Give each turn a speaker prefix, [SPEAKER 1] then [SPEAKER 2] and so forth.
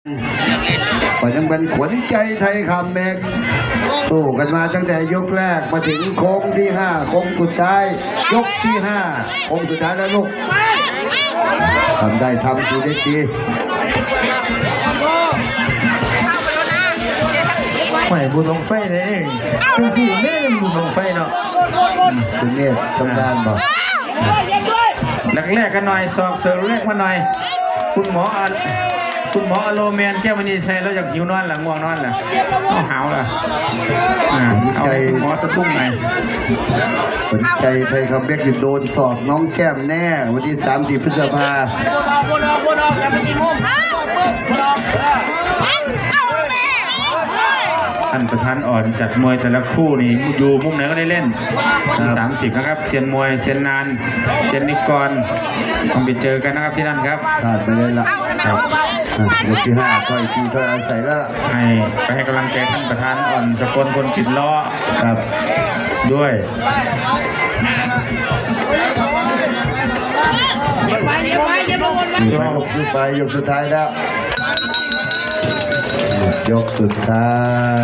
[SPEAKER 1] ก็ยังเป็นขวัญใจไทยคำเองสู้กันมาตั้งแต่ยกแรกมาถึงโค้งที่5โค้งสุดท้ายยกที่5โค้งสุดท้ายแล้วลูกทำได้ทำดีได้ดี
[SPEAKER 2] ไม่บุญลงไฟเลยเองเป็นสี่แม่บุญลงไฟเนาะ
[SPEAKER 1] คุณเนตรทำงานบอก
[SPEAKER 2] แรกกันหน่อยสอกเสริมแรกมาหน่อยคุณหมออโลเมนแก้วมณีชัยแล้วอยากหิวนอนหลังง่วงนอนแหละเอาหาวล่ะเอาคุณหมอสะดุ้งหน่อย
[SPEAKER 1] สนใจไทยคำเบกอยู่โดนสอบน้องแก้มแน่วันที่30 พฤษภา
[SPEAKER 2] ท่านประธานอ่อนจัดมวยแต่ละคู่นี่อยู่มุมไหนก็ได้เล่นที่30นะครับเชียนมวยเชียนนานเชียนนิกรต้องไปเจอกันนะครับที่นั่นครับ
[SPEAKER 1] ขาดไปเลยละครับยกที่5ก็อีกทีถ้อยอาศัยแล้ว
[SPEAKER 2] ไปให้กำลังใจท่านประธานอ่อนสกลคนปิดล้อ
[SPEAKER 1] ครับ
[SPEAKER 2] ด้วย
[SPEAKER 1] ยกสุดท้ายแล้วยกสุดท้าย